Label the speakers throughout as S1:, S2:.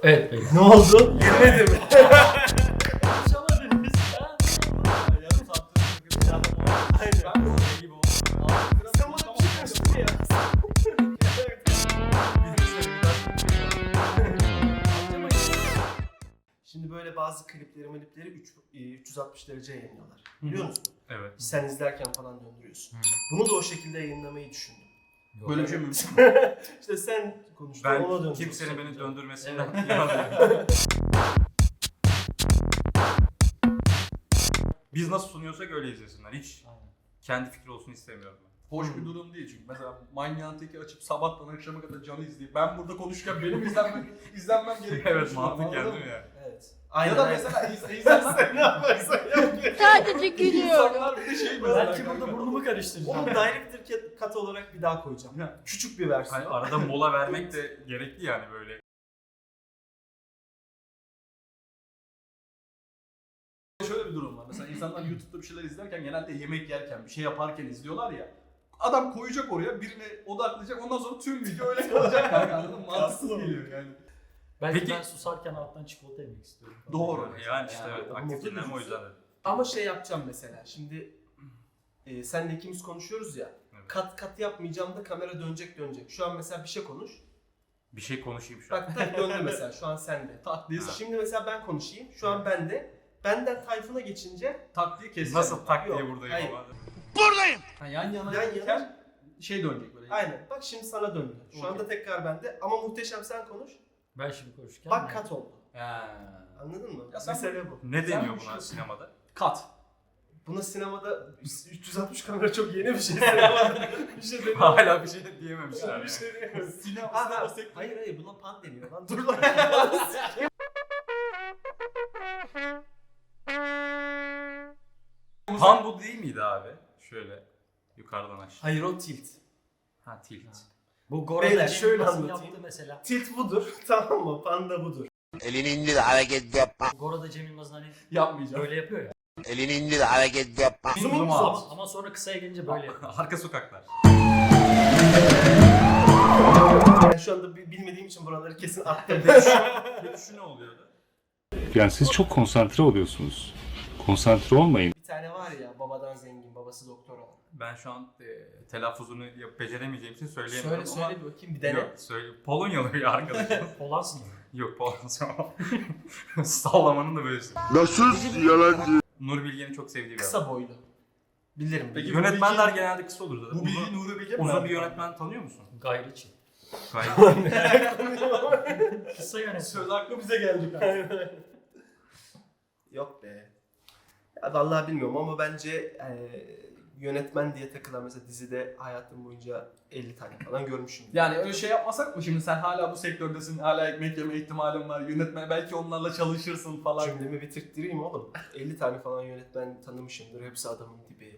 S1: Evet beyler.
S2: Ne oldu? Yemedim.
S1: Konuşamadınız ya.
S3: Yarım saattir bir adam var.
S2: Aynen.
S3: Ben de o gibi oldum.
S2: Sen bana bir şey karıştırdın ya. Şimdi böyle bazı klipleri 360 derece yayınlıyorlar. Biliyor musun?
S4: Evet.
S2: Sen izlerken falan döndürüyorsun. Bunu da o şekilde yayınlamayı düşündüm.
S3: Böyle bir şey mümkün.
S2: İşte sen konuştun,
S4: Ben
S2: ona döndür.
S4: kimsenin beni döndürmesinden
S1: Evet.
S4: yanayım. Biz nasıl sunuyorsak öyle izlesinler. Hiç
S1: Aynen.
S4: kendi fikri olsun istemiyorum ben.
S3: Hoş bir durum değil çünkü mesela Manyağın Teki açıp sabahtan akşama kadar canı izleyip ben burada konuşurken benim izlenmem gerekiyor.
S4: Evet, mantık geldi mi ya?
S2: Evet.
S3: Ya da mesela izlenmem.
S2: ne yaparsan yap.
S5: Sadece gülüyorum.
S3: İnsanlar bir de şey mesela.
S1: Belki burada burnumu karıştıracağım.
S2: Onu director cut olarak bir daha koyacağım. Küçük bir versiyon.
S4: Hani arada mola vermek de gerekli yani böyle.
S3: Şöyle bir durum var. Mesela insanlar YouTube'da bir şeyler izlerken genelde yemek yerken, bir şey yaparken izliyorlar ya. Adam koyacak oraya, birine odaklayacak, ondan sonra tüm video öyle kalacak kanka, anladın mı? Mantıksız geliyor yani.
S1: Belki
S4: Peki-
S1: ben susarken alttan çikolata yemek istiyorum.
S3: Doğru.
S4: Yani işte
S3: Yani
S4: evet,
S2: ama
S4: aktif dinleme o
S2: mutlu
S4: yüzden dedim.
S2: Ama şey yapacağım mesela. Şimdi senle ikimiz konuşuyoruz ya.
S4: Evet.
S2: Kat yapmayacağım da kamera dönecek. Şu an mesela bir şey konuş.
S4: Bir şey konuşayım şu an.
S2: Bak tak döndü mesela. Şu an sende.
S3: Tak diye,
S2: Şimdi mesela ben konuşayım. Şu an bende. Benden Tayfun'a geçince
S3: tak diye keseceğim.
S4: Nasıl tak diye
S2: Yok,
S4: buradayım
S2: hayır.
S4: ama.
S3: Ha, yan yana
S2: Yan yana.
S3: gelirken şey dönecek böyle.
S2: aynen. Bak şimdi sana döndü. Şu
S3: Okey.
S2: anda tekrar bende. Ama muhteşem sen konuş.
S1: Ben şimdi konuşurken...
S2: Bak kat oldu.
S3: Ha.
S2: Anladın mı?
S3: Ya sen
S2: Mesele bu.
S4: Ne
S3: Sen
S4: deniyor
S3: bu
S4: buna
S3: şey-
S4: sinemada?
S3: Kat.
S2: Buna sinemada 360 kamera çok yeni bir şey. Sinemada bir şey demiyor.
S4: Hala bir şey diyememişler
S2: Bir
S4: yani.
S2: şey demiyor.
S3: Sinema
S2: Hayır buna pan deniyor lan. Dur lan.
S4: Pan bu değil miydi abi? Şöyle yukarıdan aşağı.
S2: Hayır o tilt.
S4: Ha, tilt.
S1: Bu Gora'da
S2: Beyler,
S1: Cem
S2: şöyle
S1: Yılmaz'ın
S2: anlatayım.
S1: yaptığı mesela.
S2: Tilt budur. Tamam mı? Panda budur.
S6: Elini indir hareket yapma.
S1: Gora'da Cem Yılmaz'ın hani
S3: yapmayacağım.
S1: böyle yapıyor ya.
S6: Elini indir hareket yapma.
S2: Zoom in,
S4: Zoom
S2: zoom
S4: out.
S1: Ama sonra kısaya gelince böyle yapıyor.
S4: Arka sokaklar.
S2: Ben şu anda bilmediğim için buraları kesin attım.
S4: Peki şu ne oluyordu?
S7: Yani siz çok konsantre oluyorsunuz. Konsantre olmayın.
S2: Bir tane var ya babadan zengin, babası doktor olan.
S4: Ben şu an telaffuzunu beceremeyeceğim için söyleyemiyorum
S2: Söyle
S4: ama...
S2: bir bakayım bir dene.
S4: Yok, söyle. Polonyalı bir arkadaşım.
S1: Polansın.
S4: Yok, Polonyalı ama. Sallamanın da böylesi.
S6: Nasıl yalancı?
S4: Nur Bilge'nin çok sevdiği bir adam.
S2: Kısa boylu. Bilirim.
S3: Peki,
S2: bilirim.
S4: Yönetmenler genelde kısa olur zaten.
S3: Bu bilgi Nuri Bilge mi?
S4: Uzun bir yönetmen tanıyor musun?
S1: Gayriçi.
S4: Gayet.
S1: Kısa yönetmen.
S3: Söz hakkı bize geldi kanka.
S2: Yok be. Ya vallahi bilmiyorum ama bence yönetmen diye takılan mesela dizide hayatım boyunca 50 tane falan görmüşüm.
S3: Yani öyle şey yapmasak mı şimdi sen hala bu sektördesin, hala ekmek yeme ihtimalin var, yönetmen belki onlarla çalışırsın falan.
S2: Cümlemi bitirttireyim oğlum. 50 tane falan yönetmen tanımışımdır. Hepsi adamın dibi.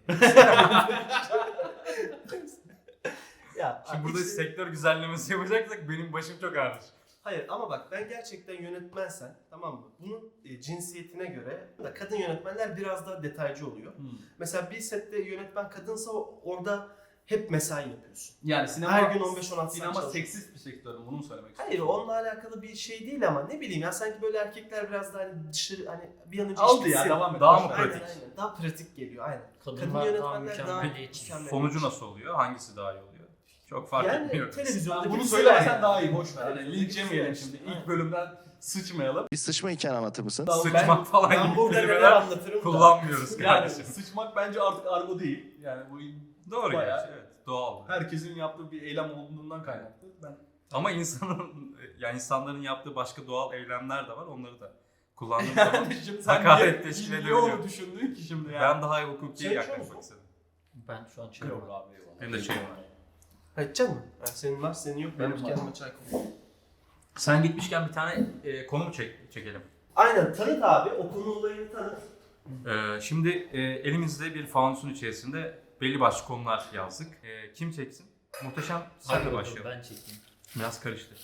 S2: Ya
S4: Şimdi burada
S2: hiç-
S4: sektör güzellemesi yapacaksak benim başım çok ağrır.
S2: Hayır ama bak ben gerçekten yönetmensen tamam mı? Bunun cinsiyetine göre da kadın yönetmenler biraz daha detaycı oluyor. Mesela bir sette yönetmen kadınsa orada hep mesai yapıyorsun.
S3: Yani sinema,
S2: Her gün 15-16 saat
S3: sinema
S2: çalışıyorsun.
S3: seksist bir sektör mü? Bunu mu söylemek
S2: Hayır
S3: istiyorsun?
S2: onunla alakalı bir şey değil ama ne bileyim ya sanki böyle erkekler biraz daha hani dışarı hani bir an önce
S3: Aldı
S2: iş
S3: ya,
S2: bitsin.
S3: devam et.
S4: Daha mı
S3: Boş ver.
S2: Aynen,
S4: pratik?
S2: aynen. Daha pratik geliyor aynen.
S1: Kadınlar daha mükemmeliyetçi.
S2: mükemmel.
S4: Sonucu nasıl oluyor? Hangisi daha iyi oluyor? Çok fark
S2: Yani
S4: etmiyor.
S2: televizyonda
S3: Ben bunu
S2: bir
S3: söylemesen
S2: yani.
S3: daha iyi, boş ver.
S2: Evet,
S3: Yani linç yemeyelim şimdi.
S1: Aynen.
S3: İlk bölümden sıçmayalım.
S6: Bir sıçma hikayeni anlatır mısın?
S4: Sıçmak falan
S2: Ben
S4: gibi
S2: burada neler
S4: kelimeler
S2: anlatırım da.
S4: kullanmıyoruz
S3: Yani
S4: kardeşim.
S3: sıçmak bence artık argo değil. Yani bu
S4: Doğru
S3: bayağı-
S4: gerçi, evet. Doğal.
S3: herkesin yaptığı bir eylem olduğundan kaynaklı. Ben
S4: Ama insanların yaptığı başka doğal eylemler de var. Onları da kullandığım zaman
S3: yani şimdi sen
S4: hakaret
S3: niye
S4: teşkil
S3: niye
S4: edebiliyor.
S3: onu düşündün ki şimdi yani?
S4: ben daha hukuki
S2: Çay içiyor
S4: yaklaşmak
S2: musun?
S4: istedim.
S1: Ben şu an çıkıyorum abi.
S4: Benim de çayım var.
S2: Ha, içecek misin? Ha, senin var senin yok.
S3: Benim
S2: Benim
S3: var.
S2: kendime çay koyayım.
S4: Sen gitmişken bir tane konu mu çekelim?
S2: Aynen tanıt abi. O konu olayını tanıt.
S4: Şimdi elimizde bir fanusun içerisinde belli başlı konular yazdık. Kim çeksin? Muhteşem sen de başlayalım.
S1: Ben çekeyim.
S4: Biraz karıştı.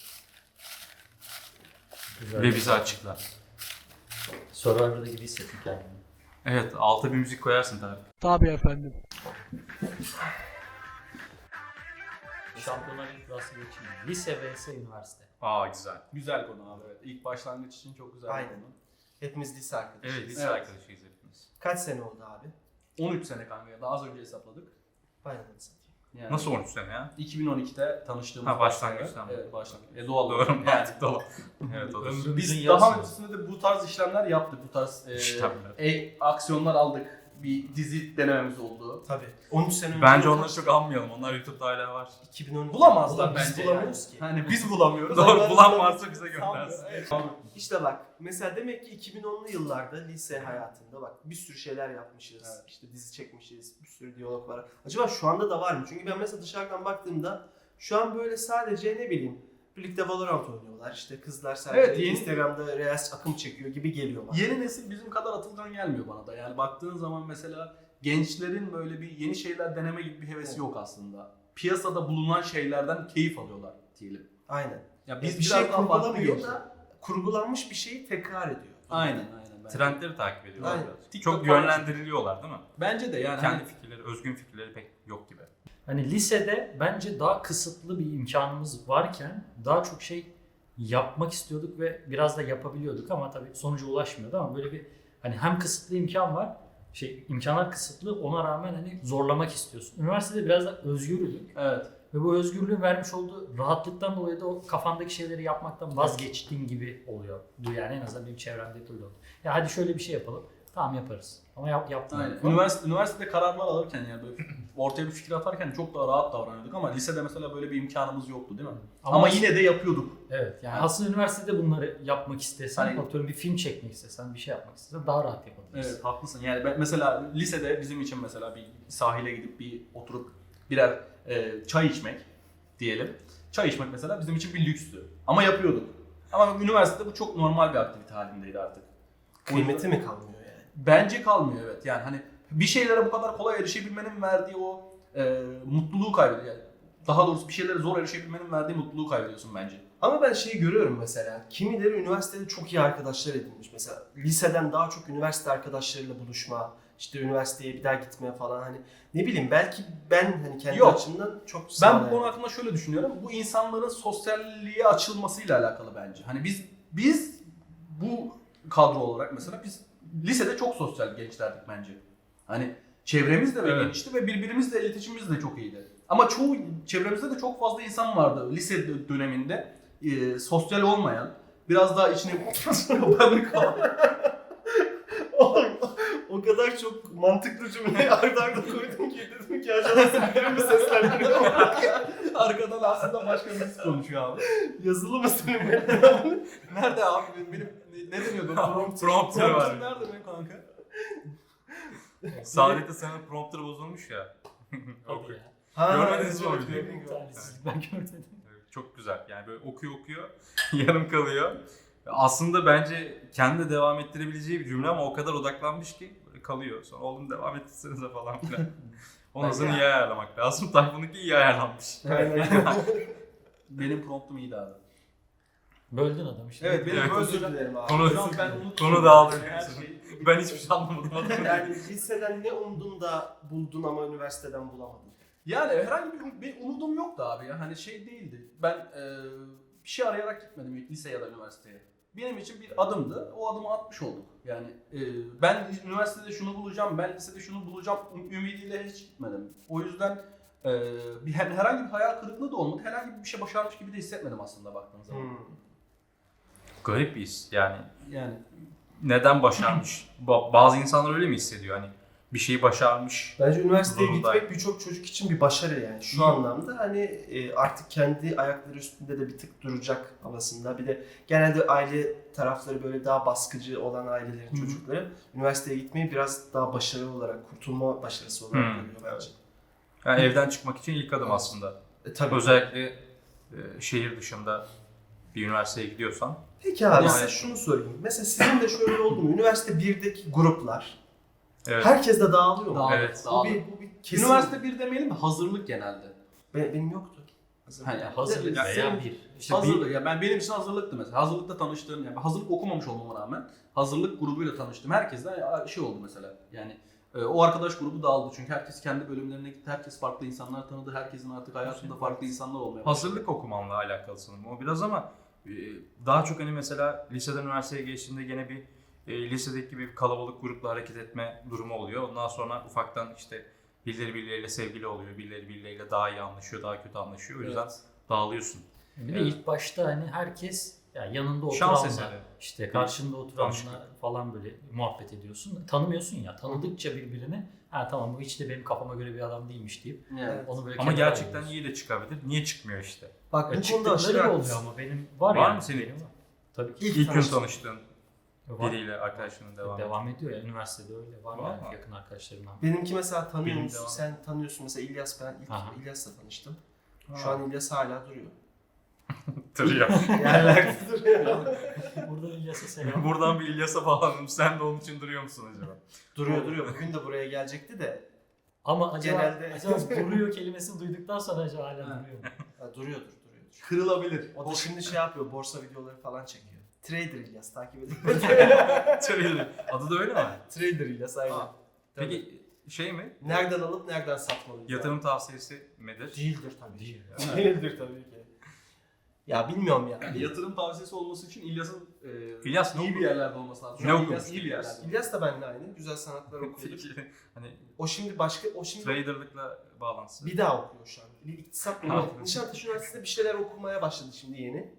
S1: Güzel.
S4: Ve bizi açıkla.
S1: Survivor'da gibi hissettim kendimi.
S4: Evet, alta bir müzik koyarsın tabii.
S8: Tabii efendim.
S1: Şampiyonlar Ligi kurası geçeyim. Lise vs üniversite.
S4: Aa güzel.
S3: Güzel konu abi, evet. İlk başlangıç için çok güzel
S2: Aynen.
S3: bir konu.
S2: Hepimiz lise arkadaşıyız.
S4: Evet lise
S3: Evet.
S4: arkadaşıyız hepimiz.
S2: Kaç sene oldu abi?
S3: 13 sene kanka, daha az önce hesapladık.
S2: Bayramını satayım.
S3: Yani
S4: Nasıl 13 sene ya?
S3: 2012'de tanıştığımız.
S4: Ha, başlangıçtan.
S3: Evet, başlangıç. Doğal
S4: Doğru
S3: olarak. Yani.
S4: mantıklı olan. Evet o da.
S1: Ömrümüzün
S3: Biz
S1: yarısı.
S3: daha öncesinde de bu tarz işlemler yaptık. Bu tarz
S4: İşlemler.
S3: aksiyonlar aldık. Bir dizi denememiz oldu.
S2: Tabii. 13 sene önce.
S4: Bence onları çok anmayalım. Onlar YouTube'da hala var.
S2: 2012.
S3: Bulamazlar
S2: Biz
S3: bence.
S2: bulamıyoruz ki.
S3: Hani biz bulamıyoruz.
S4: Doğru
S3: Onlar
S4: bulan
S3: bulamıyor.
S4: varsa bize göndersin.
S3: Evet.
S2: İşte bak mesela demek ki 2010'lu yıllarda lise hayatında bak bir sürü şeyler yapmışız.
S3: Evet.
S2: İşte dizi çekmişiz. Bir sürü diyalog var. Acaba şu anda da var mı? Çünkü ben mesela dışarıdan baktığımda şu an böyle sadece ne bileyim birlikte Valorant oynuyorlar. İşte kızlar sadece
S3: Evet, yeni-
S2: Instagram'da Reels akım çekiyor gibi geliyor bana.
S3: Yeni nesil bizim kadar atılgan gelmiyor bana da. Yani baktığın zaman mesela gençlerin böyle bir yeni şeyler deneme gibi bir hevesi yok aslında. Piyasada bulunan şeylerden keyif alıyorlar diyelim.
S2: Aynen.
S3: Ya
S2: Biz
S3: biz
S2: bir şey
S3: biraz daha farklı
S2: kurgulamıyor
S3: gençler.
S2: da kurgulanmış bir şeyi tekrar ediyor.
S3: Aynen. bence.
S4: Trendleri takip ediyorlar
S2: Aynen.
S4: biraz.
S3: TikTok
S4: Çok
S3: falan-
S4: yönlendiriliyorlar değil mi?
S3: Bence de yani
S4: Kendi
S3: hani
S4: fikirleri, özgün fikirleri pek yok gibi.
S1: Hani lisede bence daha kısıtlı bir imkanımız varken daha çok şey yapmak istiyorduk ve biraz da yapabiliyorduk ama tabii sonuca ulaşmıyordu ama böyle bir hani hem kısıtlı imkan var, imkanlar kısıtlı ona rağmen hani zorlamak istiyorsun. Üniversitede biraz da özgürlük
S3: evet.
S1: ve bu özgürlüğün vermiş olduğu rahatlıktan dolayı da o kafandaki şeyleri yapmaktan vazgeçtiğin gibi oluyor. Yani en azından benim çevremde böyle oldu. Ya hadi şöyle bir şey yapalım. Tamam yaparız. Ama yaptım.
S3: Aynen. Üniversitede kararlar alırken yani böyle ortaya bir fikir atarken çok daha rahat davranıyorduk ama lisede mesela böyle bir imkanımız yoktu değil mi? Ama yine de yapıyorduk.
S1: Evet yani aslında üniversitede bunları yapmak istesen,
S3: Hani-
S1: atıyorum bir film çekmek istesen, bir şey yapmak istesen daha rahat yapabilirsin.
S3: Evet haklısın. Yani ben mesela lisede bizim için mesela bir sahile gidip bir oturup birer çay içmek diyelim. Çay içmek mesela bizim için bir lükstü. Ama yapıyorduk. Ama üniversitede bu çok normal bir aktivite halindeydi artık.
S2: Kıymeti mi kalmıyor yani?
S3: Bence kalmıyor evet. Yani hani bir şeylere bu kadar kolay erişebilmenin verdiği o mutluluğu kaybediyor. Yani daha doğrusu bir şeylere zor erişebilmenin verdiği mutluluğu kaybediyorsun bence.
S2: Ama ben şeyi görüyorum mesela. Kimileri üniversitede çok iyi arkadaşlar edinmiş. Mesela liseden daha çok üniversite arkadaşlarıyla buluşma, işte üniversiteye bir daha gitmeye falan hani ne bileyim belki ben hani kendi
S3: Yok.
S2: açımdan çok
S3: Ben bu
S2: sağlayamam.
S3: konu hakkında şöyle düşünüyorum. Bu insanların sosyalliğe açılmasıyla alakalı bence. Hani biz bu kadro olarak mesela biz lisede çok sosyal gençlerdik bence. Hani çevremiz de
S4: Evet.
S3: genişti ve birbirimizle iletişimimiz de çok iyiydi. Ama çoğu çevremizde de çok fazla insan vardı lise döneminde sosyal olmayan, biraz daha içine banık kalan.
S2: Oğlum, o kadar çok mantıklı cümleyi arda arda koydum ki dedim ki acaba senin mi seslendiriyor?
S3: Arkadan aslında başka birisi konuşuyor abi.
S2: Yazılı mı senin mi?
S3: Nerede abi? Benim ne deniyordu?
S4: Prompter var.
S3: Nerede benim kanka?
S4: Saadet'te senin prompter bozulmuş ya.
S1: Hadi ya.
S4: Görmediniz mi o
S2: evet,
S4: videoyu?
S2: gördüm.
S1: Talihsizlik, ben görmedim.
S4: Çok güzel. Yani böyle okuyor yarım kalıyor. Aslında bence kendi devam ettirebileceği bir cümle ama o kadar odaklanmış ki böyle kalıyor. Sonra oğlum devam ettirsenize falan filan. Onun hızını iyi ayarlamak lazım. Tayfun'unki iyi ayarlanmış.
S2: Aynen.
S3: Benim promptum iyiydi abi.
S1: Böldün adamı şimdi.
S3: Evet, benim
S4: Evet,
S3: böyle
S2: Özür dilerim abi.
S4: Konu,
S3: Hocam ben unuttum.
S4: konu dağıldı.
S3: Her şey.
S4: Ben hiçbir şey anlamadım.
S2: Yani liseden ne umdun da buldun ama üniversiteden bulamadın?
S3: Yani herhangi bir umudum yoktu abi ya. Hani şey değildi. Ben bir şey arayarak gitmedim lise ya da üniversiteye. Benim için bir adımdı. O adımı atmış olduk. Yani ben üniversitede şunu bulacağım, ben lisede şunu bulacağım ümidiyle hiç gitmedim. O yüzden herhangi bir hayal kırıklığı da olmadı. Herhangi bir şey başarmış gibi de hissetmedim aslında baktığın zaman.
S4: Garip bir his yani.
S3: Yani
S4: Neden başarmış? Bazı insanlar öyle mi hissediyor? Hani bir şeyi başarmış.
S2: Bence üniversiteye
S4: Zorunda.
S2: gitmek birçok çocuk için bir başarı yani. Şu anlamda hani artık kendi ayakları üstünde de bir tık duracak havasında. Bir de genelde aile tarafları böyle daha baskıcı olan ailelerin çocukları üniversiteye gitmeyi biraz daha başarı olarak, kurtulma başarısı olarak görüyor bence.
S4: Yani evden çıkmak için ilk adım aslında.
S2: Tabii.
S4: Özellikle şehir dışında bir üniversiteye gidiyorsan.
S2: Peki abi
S4: Yani-
S2: size şunu sorayım. Mesela sizin de şöyle oldu mu? Üniversite 1'deki gruplar.
S4: Evet.
S2: Herkes de dağılıyor mu?
S4: Evet.
S2: Bu bir kesin.
S3: üniversite 1 demeyelim de hazırlık genelde.
S2: Benim yoktu.
S3: Hani
S1: Hazırlık
S3: Ya,
S1: veya bir.
S3: İşte hazırlık. Ya benim için hazırlıktı mesela. Hazırlıkta tanıştığım, yani hazırlık okumamış olmama rağmen hazırlık grubuyla tanıştım. Herkesle şey oldu mesela. Yani O arkadaş grubu dağıldı çünkü herkes kendi bölümlerine gitti, herkes farklı insanlar tanıdı, herkesin artık hayatında farklı insanlar olmaya başladı.
S4: Hazırlık okumanla alakalı sanırım o biraz ama daha çok hani mesela liseden üniversiteye geçtiğinde gene bir lisedeki gibi bir kalabalık grupla hareket etme durumu oluyor. Ondan sonra ufaktan işte birileri birileriyle sevgili oluyor, birileri birileriyle daha iyi anlaşıyor, daha kötü anlaşıyor. O yüzden dağılıyorsun.
S1: Bir de
S4: Evet.
S1: ilk başta hani herkes yani yanında
S4: Şans
S1: oturanla,
S4: eseri.
S1: işte karşında oturanla
S4: Tanıştık.
S1: falan böyle muhabbet ediyorsun. Tanımıyorsun ya. Tanıdıkça birbirini ha tamam bu hiç de benim kafama göre bir adam değilmiş deyip
S3: Yani.
S1: onu böyle
S4: Ama
S1: kenara
S4: gerçekten
S1: alıyorsun.
S4: iyi de çıkabilir. Niye çıkmıyor işte?
S2: Bak
S1: Ya
S2: bu konuda
S1: çıktıkları
S2: aşırı
S1: da oluyor
S2: haklısın.
S1: ama benim var,
S4: Var
S1: yani.
S4: mı senin?
S1: Benim var. Tabii ki.
S2: İlk
S4: İlk gün
S2: tanıştığın.
S4: tanıştığın
S1: Var.
S4: biriyle arkadaşlığının
S1: Devam ediyor ya. Üniversitede öyle var
S4: Var
S1: yani
S4: mı?
S1: yakın arkadaşlarımdan.
S2: Benimki mesela tanıyor
S4: Benim
S2: musun?
S4: devam.
S2: Sen tanıyorsun mesela İlyas, ben ilk
S1: Aha.
S2: İlyas'la tanıştım. Şu an İlyas hala duruyor.
S4: Tır ya.
S2: Yerlerde duruyor.
S1: Burada İlyas'a selam.
S4: Buradan bir İlyas'a bağlandım. Sen de onun için duruyor musun acaba?
S2: duruyor. Bugün de buraya gelecekti de.
S1: Ama acaba,
S2: Genelde-
S1: acaba duruyor kelimesini duyduktan sonra acaba hala
S3: Ha.
S1: duruyor mu?
S2: Ha, duruyordur.
S3: Kırılabilir.
S2: O da şimdi şey yapıyor, borsa videoları falan çekiyor. Trader İlyas takip edin.
S4: Tır. Adı da öyle mi?
S2: Trader İlyas aynen.
S3: Aa.
S2: Tabii.
S4: Peki şey mi?
S2: Nereden alıp nereden satmalıyız?
S4: Yatırım tavsiyesi midir?
S2: Değildir tabii.
S1: Değil
S2: ki. Değildir tabii ki. Ya bilmiyorum ya.
S3: Yatırım tavsiyesi olması için İlyas'ın
S4: İlyas ne
S3: iyi bir
S4: okuyor?
S3: yerlerde olması lazım.
S4: Ne
S3: Şu an
S4: okumuş
S3: İlyas iyi bir yerlerde.
S2: İlyas da benimle aynı. Güzel sanatlar okuyordu.
S4: Peki hani
S2: O şimdi başka, o şimdi
S4: traderlıkla bağlantısı.
S2: bir daha okuyor şu an. Bir iktisat mı?
S4: Ha.
S2: Nişantaşı Üniversitesi'nde bir şeyler okumaya başladı şimdi yeni.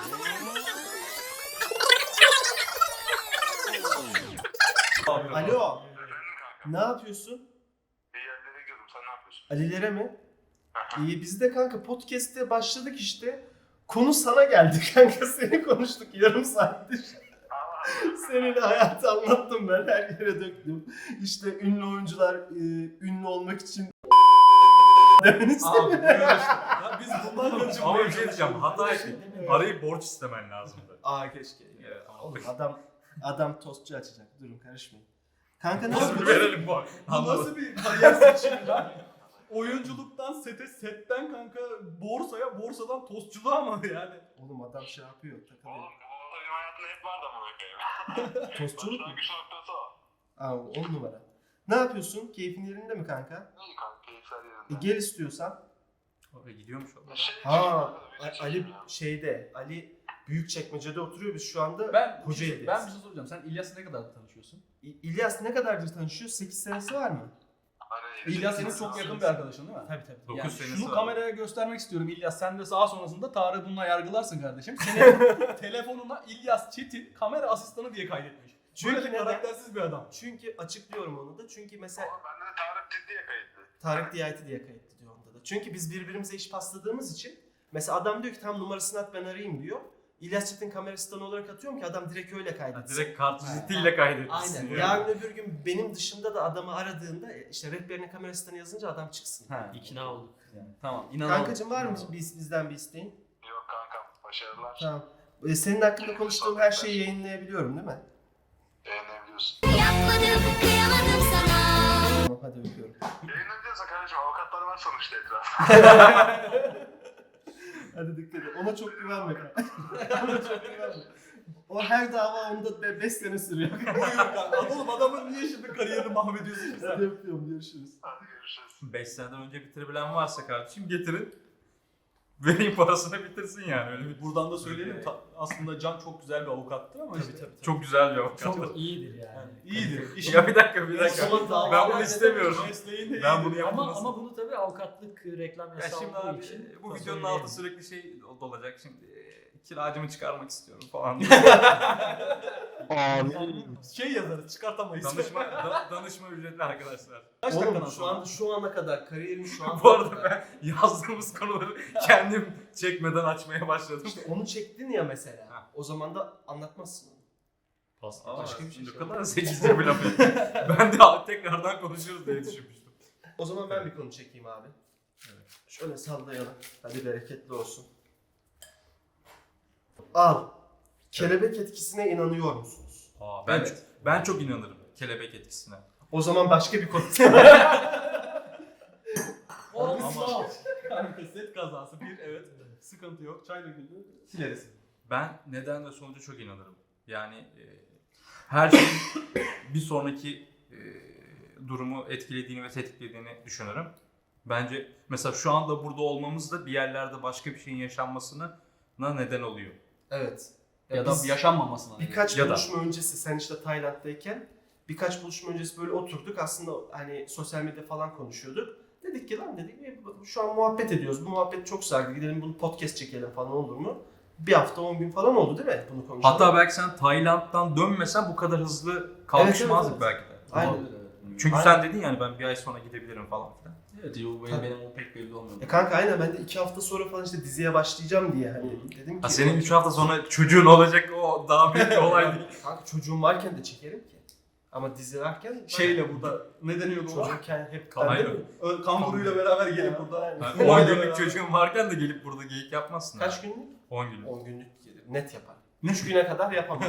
S2: Alo. Ne yapıyorsun?
S5: İyi yerlere gidiyordum. Sen ne yapıyorsun?
S2: Alilere mi? İyi biz de kanka podcast'te başladık işte. Konu sana geldi kanka. Seni konuştuk yarım saattir. Senin hayatı anlattım ben. Her yere döktüm. İşte ünlü oyuncular ünlü olmak için demeni
S3: Abi buyur işte. Ya biz bundan önce
S4: Ama
S3: buraya
S4: bir şey diyeceğim. Hata ettik. Arayı borç istemen lazımdı.
S2: Aa keşke.
S4: Evet, ama
S2: Oğlum adam tostçu açacak. Durun karışmayın. Kanka
S4: Nasıl
S2: nasıl?
S4: verelim bu?
S3: Bu nasıl bir kariyer seçimi lan? Oyunculuktan sete, setten kanka borsaya, borsadan tostçuluğa mı yani?
S2: Oğlum adam şey yapıyor. Takılıyor.
S5: Oğlum bu benim hayatımda hep vardı ama bakayım.
S2: Tostçuluk mu?
S5: Başlangıç noktası o.
S2: Aa 10 numara. Ne yapıyorsun? Keyfin yerinde mi kanka?
S5: İyi kanka keyifler yerinde.
S2: Gel istiyorsan.
S4: Oraya gidiyormuş o.
S2: Ha Ali şeyde. Ali Büyükçekmece'de oturuyor biz şu anda.
S3: Ben bir
S2: Kocaeli'deyiz.
S3: şey soracağım. Sen İlyas'la ne kadar tanışıyorsun?
S2: İlyas ne kadardır tanışıyor? 8 senesi var mı?
S3: İlyas senin çok yakın bir arkadaşın değil mi?
S2: Tabii tabii.
S4: 9
S3: Yani
S4: senesi
S3: şunu
S4: var.
S3: kameraya göstermek istiyorum İlyas. Sen de daha sonrasında Tarık bununla yargılarsın kardeşim. Senin telefonuna İlyas Çetin kamera asistanı diye kaydetmiş.
S2: Çünkü
S3: Böyle
S2: neden?
S3: karaktersiz bir adam.
S2: Çünkü açıklıyorum onu da. Çünkü mesela
S5: Ama bende de Tarık ciddiye kayıtlı.
S2: Tarık DIT diye kayıtlı diyor onda da. Çünkü biz birbirimize iş pasladığımız için mesela adam diyor ki tam numarasını at ben arayayım diyor. İlyas Çetin kamera asistanı olarak atıyorum ki adam direkt öyle
S4: Ha,
S2: kaydetsin.
S4: direkt kartvizitiyle kaydetmişsin.
S2: Aynen.
S4: yani.
S2: Yarın öbür gün benim dışında da adamı aradığında işte rehberine kamera asistanı yazınca adam çıksın.
S3: Ha.
S1: İkna olduk.
S3: Tamam. İnanamadım.
S2: Kankacığım var mı bizden bir isteğin?
S5: Yok kankam başarılar.
S2: Tamam. Senin hakkında konuştuğum her şeyi yayınlayabiliyorum değil mi?
S5: Yayınlayabiliyorsun.
S2: Tamam hadi öpüyorum.
S5: Yayınlayabiliyorsa kardeşim avukatlar var sonuçta etrafında.
S2: Hadi dikkat et. Ona çok güvenme kanka. Ona çok güvenme. O her dava onda 5 sene sürüyor.
S3: Buyur kanka. Oğlum adamın niye şimdi kariyerini mahvediyorsun ki sen?
S2: Hadi öpüyorum görüşürüz.
S5: Hadi görüşürüz.
S4: 5 seneden önce bitirebilen varsa kardeşim getirin. Vereyim parasını bitirsin yani öyle bir.
S3: Buradan da söyleyelim. Aslında Can çok güzel bir avukattır ama işte.
S4: Çok güzel bir avukat.
S1: Çok iyidir yani.
S3: İyidir.
S4: Ya bir dakika bir
S2: O
S4: dakika.
S2: zaman dava-
S4: Ben bunu istemiyorum.
S3: Mesleğinde
S4: Ben bunu
S1: Ama,
S4: yapmasın.
S1: ama bunu tabii avukatlık reklam
S4: Ya
S1: yasağı
S4: şimdi
S1: olduğu
S4: abi
S1: için
S4: bu
S1: da
S4: videonun
S1: söyleyelim.
S4: altı sürekli şey dolacak şimdi. Kiracımı çıkarmak istiyorum falan.
S3: şey yazarız çıkartamayız.
S4: danışma ücretli arkadaşlar.
S3: Kaç dakikan
S2: Oğlum
S3: sonra?
S2: şu ana kadar kariyerin şu an
S4: Bu arada ben yazdığımız konuları kendim çekmeden açmaya başladım.
S2: İşte onu çektin ya mesela.
S4: Ha.
S2: O zaman da anlatmazsın onu.
S1: Pas.
S2: Başka bir şey
S4: Ne
S2: söyle.
S4: kadar zekice bir laf. Ben de tekrardan konuşuruz diye düşünmüştüm.
S2: O zaman ben bir konu çekeyim abi. Evet. Şöyle sallayalım. Hadi bereketli olsun. Al. Kelebek etkisine inanıyor musunuz?
S4: Aa, ben çok inanırım kelebek etkisine.
S2: O zaman başka bir konu.
S3: Ama kanka set kazası bir evet. Sıkıntı yok. Çay döküldü. Sileriz.
S4: Ben neden ve sonuca çok inanırım. Yani her şeyin bir sonraki durumu etkilediğini ve tetiklediğini düşünürüm. Bence mesela şu anda burada olmamız da bir yerlerde başka bir şeyin yaşanmasına neden oluyor.
S2: Evet.
S3: Ya da
S2: biz
S3: yaşanmamasına.
S2: birkaç
S4: Ya da-
S2: buluşma öncesi sen işte Tayland'dayken birkaç buluşma öncesi böyle oturduk. Aslında hani sosyal medya falan konuşuyorduk. Dedik ki lan dedik şu an muhabbet ediyoruz. Bu muhabbet çok sardı. Gidelim bunu podcast çekelim falan olur mu? Bir hafta 10 gün falan oldu değil mi bunu konuşalım?
S4: Hatta belki sen Tayland'dan dönmesen bu kadar hızlı kalkışmazdık
S2: evet.
S4: belki de.
S2: Aynen.
S4: Çünkü
S2: Aynen.
S4: sen dedin yani ben bir ay sonra gidebilirim falan filan.
S3: Evet, benim o pek belli olmuyor.
S2: Kanka aynen ben de 2 hafta sonra falan işte diziye başlayacağım diye hani dedim ki.
S4: Ha, senin 3 hafta sonra çocuğun olacak, o daha büyük bir olay değil.
S2: Kanka çocuğum varken de çekerim ki. Ama dizi varken
S3: Şeyle burada ne deniyordu o?
S2: çocukken hep
S4: Aynen.
S2: değil mi?
S3: Kanguruyla beraber gelip
S2: Ya,
S3: burada.
S2: aynen.
S4: Yani 10 günlük çocuğun varken de gelip burada geyik yapmazsın.
S2: Kaç
S4: yani.
S2: günlük?
S4: 10 günlük.
S2: 10 günlük gelir. Net yaparım. 3 güne kadar yapamam.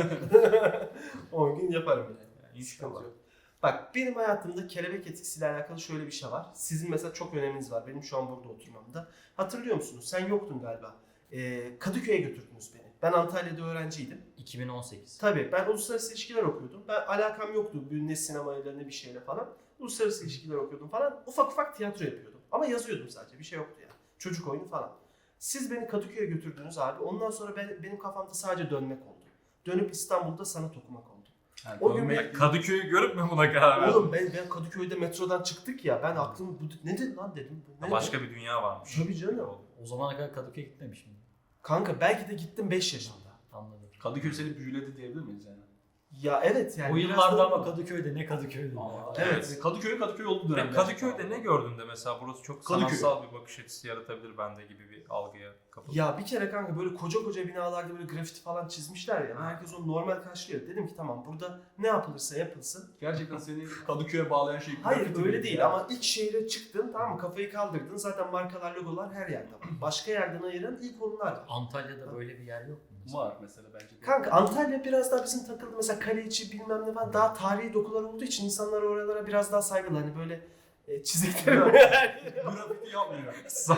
S2: 10 gün yaparım yani.
S4: Yani
S2: Sıkıntı
S4: inşallah.
S2: yok. Bak benim hayatımda kelebek etkisiyle alakalı şöyle bir şey var. Sizin mesela çok öneminiz var benim şu an burada oturmamda. Hatırlıyor musunuz? Sen yoktun galiba. Kadıköy'e götürdünüz beni. Ben Antalya'da öğrenciydim.
S1: 2018.
S2: Tabii ben uluslararası ilişkiler okuyordum. Ben alakam yoktu ne sinemayla ne bir şeyle falan. Uluslararası ilişkiler okuyordum falan. Ufak ufak tiyatro yapıyordum. Ama yazıyordum sadece. Bir şey yoktu yani. Çocuk oyunu falan. Siz beni Kadıköy'e götürdünüz abi. Ondan sonra benim kafamda sadece dönmek oldu. Dönüp İstanbul'da sanat okumak oldu.
S3: Yani
S2: O gün
S3: dönmek-
S4: Kadıköy'ü görüp mü buna karar verdin?
S2: Oğlum ben Kadıköy'de metrodan çıktık ya. Ben aklım nedir lan dedim. Ne
S4: Başka bir dünya varmış.
S2: Tabii canım.
S1: O zamana kadar Kadıköy'e gitmemişim.
S2: Kanka belki de gittim 5 yaşında.
S1: Anladım.
S3: Kadıköy seni büyüledi diyebilir miyiz yani?
S2: Ya evet yani.
S1: o
S2: biraz
S1: yıllarda
S2: da-
S1: ama Kadıköy'de ne Kadıköy'de.
S2: Evet.
S3: Kadıköy olduğu dönem.
S4: Kadıköy'de ne gördün de mesela burası çok
S3: Kadıköy.
S4: sanatsal bir bakış açısı yaratabilir bende gibi bir algıya kapıldım.
S2: Ya bir kere kanka böyle koca koca binalarda böyle grafiti falan çizmişler ya. Herkes onu normal karşılıyor. Dedim ki tamam burada ne yapılırsa yapılsın.
S3: Gerçekten seni Kadıköy'e bağlayan şey
S2: Hayır
S3: grafiti
S2: öyle
S3: miydi
S2: değil
S3: ya?
S2: ama ilk şehre çıktın tamam mı kafayı kaldırdın. Zaten markalar logolar her yerde var. Başka yerden ayıran ilk onlar var.
S1: Antalya'da böyle bir yer yok mu? mesela?
S3: Var mesela bence de.
S2: Kanka Antalya biraz daha bizim takıldı mesela kale içi bilmem ne falan daha tarihi dokular olduğu için insanlar oralara biraz daha saygılı hani böyle çizikleri
S3: Grafiti yapmıyor.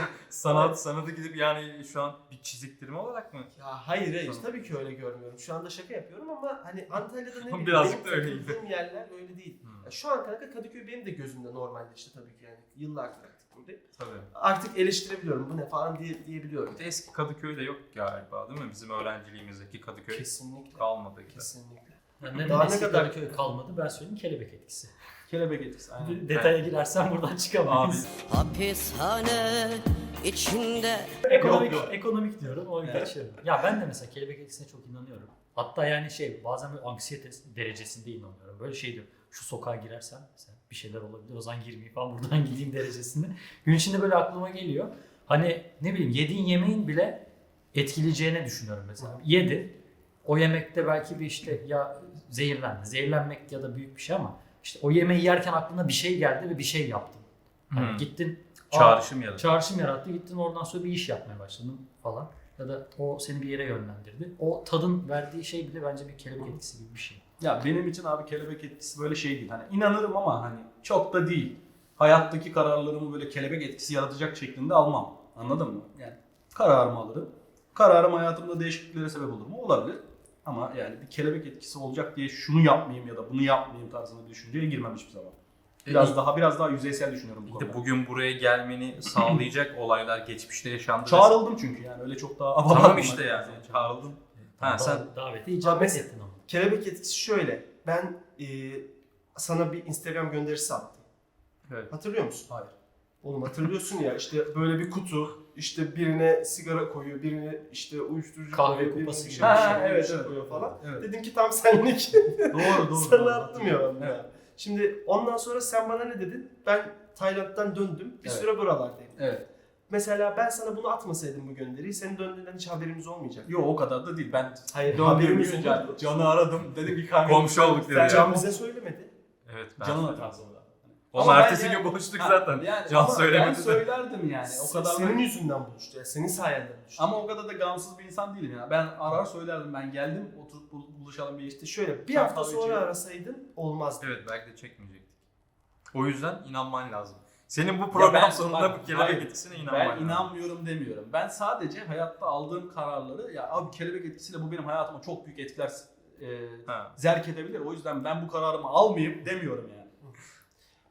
S4: Sanatı gidip yani şu an bir çiziktirme olarak mı?
S2: Ya hayır tabii ki öyle görmüyorum. Şu anda şaka yapıyorum ama hani Antalya'da ne bileyim
S4: Birazcık
S2: benim
S4: da öyleydi.
S2: takıldığım yerler öyle değil. Ya şu an kanka Kadıköy benim de gözümde normalleşti tabii ki yani yıllardır artık buradayım.
S4: Tabii.
S2: Artık eleştirebiliyorum bu ne falan diyebiliyorum.
S4: Bir de eski Kadıköy'de yok galiba değil mi? Bizim öğrenciliğimizdeki Kadıköy
S2: Kesinlikle.
S4: kalmadı gibi.
S2: Kesinlikle.
S1: Yani neden
S2: Daha ne
S1: eski
S2: kadar-
S1: Kadıköy kalmadı ben söyleyeyim kelebek etkisi.
S3: Kelebek etkisi. Aynen.
S1: Detaya girersen buradan
S4: Abi
S1: çıkamayız.
S8: Hapishane içinde
S1: Ekonomik diyorum o
S3: Evet.
S1: geçiyorum. Ya ben de mesela kelebek etkisine çok inanıyorum. Hatta yani bazen böyle anksiyete derecesinde inanıyorum. Böyle şey diyor şu sokağa girersem mesela bir şeyler olabilir o zaman girmeyeyim falan buradan gideyim derecesinde. Gün içinde böyle aklıma geliyor. Hani ne bileyim yediğin yemeğin bile etkileyeceğini düşünüyorum mesela. Yedi. O yemekte belki bir işte ya zehirlendi. Zehirlenmek ya da büyük bir şey ama işte o yemeği yerken aklına bir şey geldi ve bir şey yaptın. Hani gittin
S4: çağrışım yarattı.
S1: çağrışım yarattı. Gittin oradan sonra bir iş yapmaya başladın falan. Ya da o seni bir yere yönlendirdi. O tadın verdiği şey bile bence bir kelebek etkisi gibi bir şey.
S3: Ya benim için abi kelebek etkisi böyle şey değil. Hani inanırım ama hani çok da değil. Hayattaki kararlarımı böyle kelebek etkisi yaratacak şeklinde almam. Anladın mı? Yani kararımı alırım. Kararım hayatımda değişikliklere sebep olur mu? Olabilir. Ama yani bir kelebek etkisi olacak diye şunu yapmayayım ya da bunu yapmayayım tarzında bir düşünceye girmem hiçbir zaman. Biraz daha yüzeysel düşünüyorum bu
S4: Bir de
S3: konuda.
S4: bugün buraya gelmeni sağlayacak olaylar geçmişte yaşandı.
S3: Çağrıldım çünkü yani öyle çok daha
S4: Tamam işte yani çağrıldın. Ha, sen-
S1: Davete icabet
S2: mesela-
S1: ettin ama.
S2: Kelebek etkisi şöyle. Ben sana bir Instagram gönderisi attım.
S4: Evet.
S2: Hatırlıyor musun?
S3: Hayır.
S2: Oğlum hatırlıyorsun ya işte böyle bir kutu işte birine sigara koyuyor, birine işte uyuşturucu
S1: Kahve
S2: koyuyor, birine
S1: kupası
S2: bir
S1: gibi.
S2: şey, bir şey
S3: evet.
S2: koyuyor falan.
S3: Evet.
S2: Dedim ki tam senlik.
S3: Doğru.
S2: Sana attım ya ben.
S3: Evet.
S2: Şimdi ondan sonra sen bana ne dedin? Ben Tayland'dan döndüm. Bir
S3: Evet.
S2: süre buralardayım.
S3: Evet.
S2: Mesela ben sana bunu atmasaydım bu gönderiyi senin döndüğünden hiç haberimiz olmayacak.
S3: Yok o kadar da değil. Ben
S2: Hayır
S3: döndüğüm
S2: haberimiz
S3: gün
S2: olmadı.
S3: Can'ı aradım. Dedim ki kanka.
S4: Komşu olduk dedi.
S2: Can bize söylemedi.
S4: Evet
S3: Can'ın hatası o da.
S4: Ama
S3: Ama ben
S4: ertesi
S3: yani-
S4: gün buluştuk
S3: Ha,
S4: zaten.
S3: yani
S4: Can
S3: ama
S4: söylemedi
S3: Ben
S4: de.
S3: söylerdim yani. O kadar
S2: Senin
S3: da...
S2: yüzünden buluştu ya. Senin sayende buluştu.
S3: Ama o kadar da gamsız bir insan değilim ya. Ben arar söylerdim. Ben geldim oturup buluşalım bir işte.
S2: İşte şöyle bir
S3: Sen
S2: hafta
S3: kahve
S2: sonra
S3: içelim.
S2: arasaydın olmazdı.
S4: Evet belki de çekmeyecektik. O yüzden inanman lazım. Senin bu program
S3: ben-
S4: sonunda
S3: bak,
S4: bu kelebek
S3: hayır.
S4: etkisine inanman
S3: Ben
S4: lazım.
S3: inanmıyorum demiyorum. Ben sadece hayatta aldığım kararları ya abi kelebek etkisiyle bu benim hayatıma çok büyük etkiler
S4: Ha.
S3: zerk edebilir. O yüzden ben bu kararımı almayayım demiyorum yani.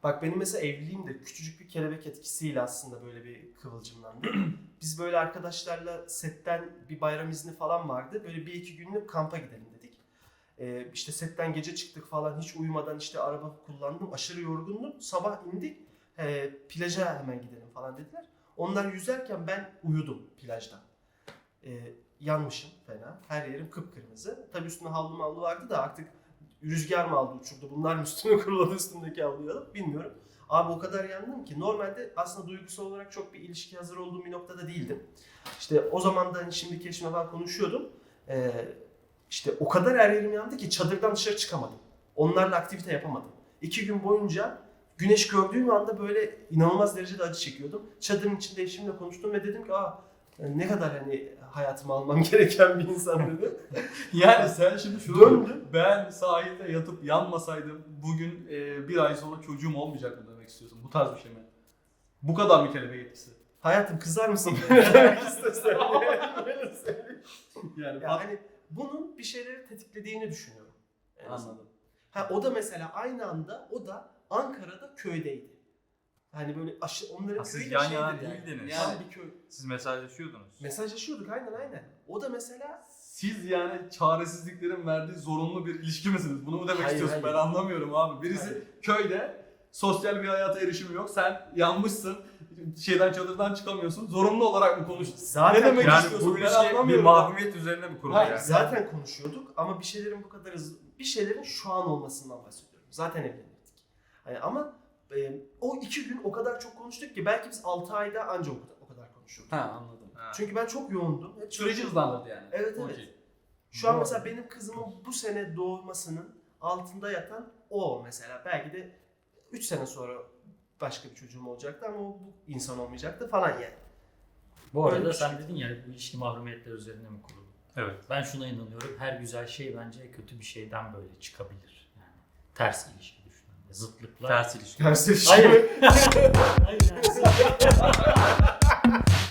S2: Bak benim mesela evliliğim de küçücük bir kelebek etkisiyle aslında böyle bir kıvılcımlandı. Biz böyle arkadaşlarla setten bir bayram izni falan vardı. Böyle 1-2 günlük kampa gidelim dedik. İşte setten gece çıktık falan, hiç uyumadan işte araba kullandım. Aşırı yorgundum. Sabah indik. Plaja hemen gidelim falan dediler. Onlar yüzerken ben uyudum plajda. Yanmışım fena. Her yerim kıpkırmızı. Tabii üstünde havlu vardı da artık rüzgar mı aldı uçurdu, bunlar mı üstüme kuruladı üstümdeki havluyu alıp bilmiyorum. Abi o kadar yandım ki normalde aslında duygusal olarak çok bir ilişki hazır olduğum bir noktada değildim. İşte o zaman da hani şimdiki eşimle falan konuşuyordum. İşte o kadar her yerim yandı ki çadırdan dışarı çıkamadım. Onlarla aktivite yapamadım. 2 gün boyunca güneş gördüğüm anda böyle inanılmaz derecede acı çekiyordum. Çadırın içinde eşimle konuştum ve dedim ki ne kadar hani hayatıma almam gereken bir insan dedim.
S3: Yani sen şimdi şunu
S2: Döndüm.
S3: ben sahilde yatıp yanmasaydım bugün bir ay sonra çocuğum olmayacak mı demek istiyorsun? Bu tarz bir şey mi? Bu kadar mı kelebek etkisi?
S2: Hayatım kızar mısın? Demek istesem.
S3: Yani
S2: Yani bunun bir şeyleri tetiklediğini düşünüyorum. En azından.
S3: anladım.
S2: O da mesela aynı anda o da Ankara'da köydeydi. Hani böyle onların
S4: Siz
S2: köyü de
S4: yan
S2: şeydir
S4: yana
S2: yani.
S4: değildiniz.
S2: Yani bir köy.
S4: Siz mesajlaşıyordunuz.
S2: Mesajlaşıyorduk aynen. O da mesela
S3: Siz yani çaresizliklerin verdiği zorunlu bir ilişki misiniz? Bunu mu demek
S2: Hayır,
S3: istiyorsun?
S2: hayır.
S3: Ben anlamıyorum abi. Birisi
S2: Hayır.
S3: köyde sosyal bir hayata erişimi yok. Sen yanmışsın. Çadırdan çıkamıyorsun. Zorunlu olarak mı konuştun?
S2: zaten
S3: Ne demek
S4: Yani
S3: istiyorsun?
S4: bu bir,
S3: Ben
S4: şey, bir
S3: anlamıyorum.
S4: mahkumiyet üzerine mi kurulu
S3: Hayır,
S4: yani?
S2: zaten konuşuyorduk ama bir şeylerin bu kadar hızlı, bir şeylerin şu an olmasından bahsediyorum. Zaten evlenirdik. Hani ama o 2 gün o kadar çok konuştuk ki belki biz 6 ayda anca o kadar konuşuyorduk.
S3: Ha anladım.
S4: Ha.
S2: Çünkü ben çok yoğundum. Hep
S3: Süreci hızlandırdı yani.
S2: Evet.
S3: Okey.
S2: Şu an
S3: Doğru.
S2: mesela benim kızımın bu sene doğmasının altında yatan o mesela. Belki de 3 sene sonra başka bir çocuğum olacaktı ama o bu insan olmayacaktı falan yani.
S1: Bu
S2: Öyle
S1: arada
S2: bir
S1: sen
S2: şey.
S1: dedin ya bu ilişki mahrumiyetler üzerine mi kurulu?
S4: Evet.
S1: Ben şuna inanıyorum. Her güzel şey bence kötü bir şeyden böyle çıkabilir. Yani ters ilişki düşünün. Zıtlıklar.
S4: Ters ilişki.
S2: Ters bir şey
S1: Hayır.
S2: mi?
S1: Hayır yani.